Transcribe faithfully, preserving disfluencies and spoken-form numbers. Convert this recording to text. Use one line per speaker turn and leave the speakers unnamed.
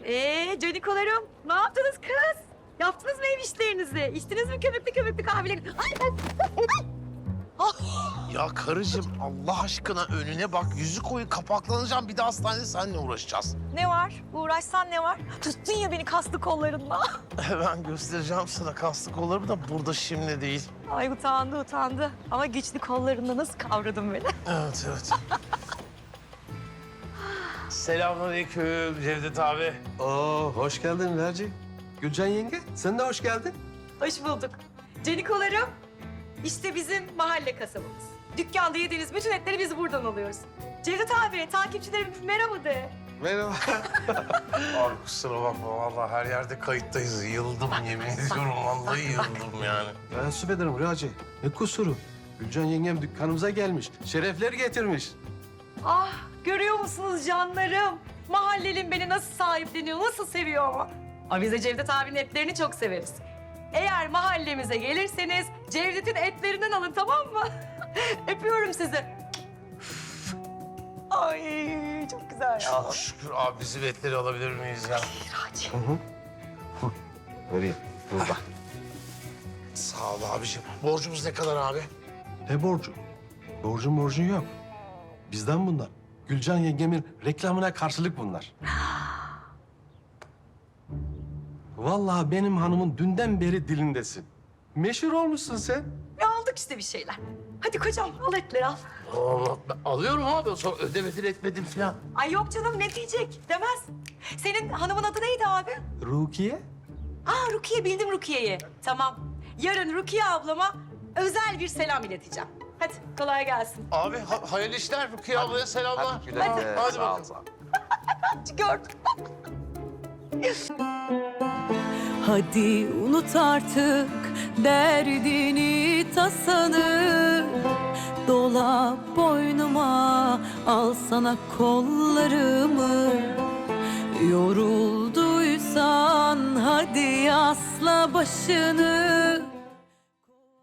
Ee, canikolarım, ne yaptınız kız? Yaptınız mı ev işlerinizi? İçtiniz mi köpüklü köpüklü kahveleri? Ay,
Ya karıcığım Allah aşkına önüne bak. Yüzü koyu kapaklanacağım. Bir de hastanede seninle uğraşacağız.
ne var? Uğraşsan ne var? Tuttun ya beni kaslı kollarınla.
Ben göstereceğim sana kaslı kollarımı da burada şimdi değil.
Ay utandı utandı. Ama güçlü kollarınla nasıl kavradın beni?
Evet evet. Selamünaleyküm Cevdet abi.
Oo, hoş geldin Merci. Gülcan yenge, sen de hoş geldin.
Hoş bulduk. Canikolarım, işte bizim mahalle kasabımız. Dükkanda yediğiniz bütün etleri biz buradan alıyoruz. Cevdet abi, takipçilerime merhaba de.
Merhaba.
Abi kusura bakma vallahi her yerde kayıttayız. Yıldım yemin ediyorum vallahi yıldım yani.
Teessüf ederim Raci. Ne kusuru? Gülcan yengem dükkanımıza gelmiş. Şerefler getirmiş.
Ah, görüyor musunuz canlarım? Mahallelin beni nasıl sahipleniyor, nasıl seviyor ama. Ama biz de Cevdet abinin etlerini çok severiz. Eğer mahallemize gelirseniz Cevdet'in etlerinden alın, tamam mı? Öpüyorum sizi. Ay çok güzel ya.
Çok şükür abi bizim etleri alabilir miyiz ya?
Raci.
Hı hı. Vereyim. Burada.
Sağ ol abiciğim. Borcumuz ne kadar abi?
Ne borcu? Borcun borcun yok. Bizden bunlar. Gülcan yengemin reklamına karşılık bunlar. Vallahi benim hanımın dünden beri dilindesin. Meşhur olmuşsun sen.
Ya aldık işte bir şeyler. Hadi kocam al etleri al.
Allah, ben alıyorum abi. Sonra ödemedin etmedin falan.
Ay yok canım ne diyecek demez. Senin hanımın adı neydi abi?
Rukiye.
Aa Rukiye, bildim Rukiye'yi. Tamam. Yarın Rukiye ablama özel bir selam ileteceğim. Hadi kolay gelsin.
Abi ha hayırlı işler. Rukiye ablaya selamlar.
Hadi güle güle.
Hadi
Sağ ol,
bakalım.
sağ ol.
Gördüm.
Hadi unut artık derdini tasanı. Dola boynuma, al sana kollarımı. Yorulduysan hadi asla başını.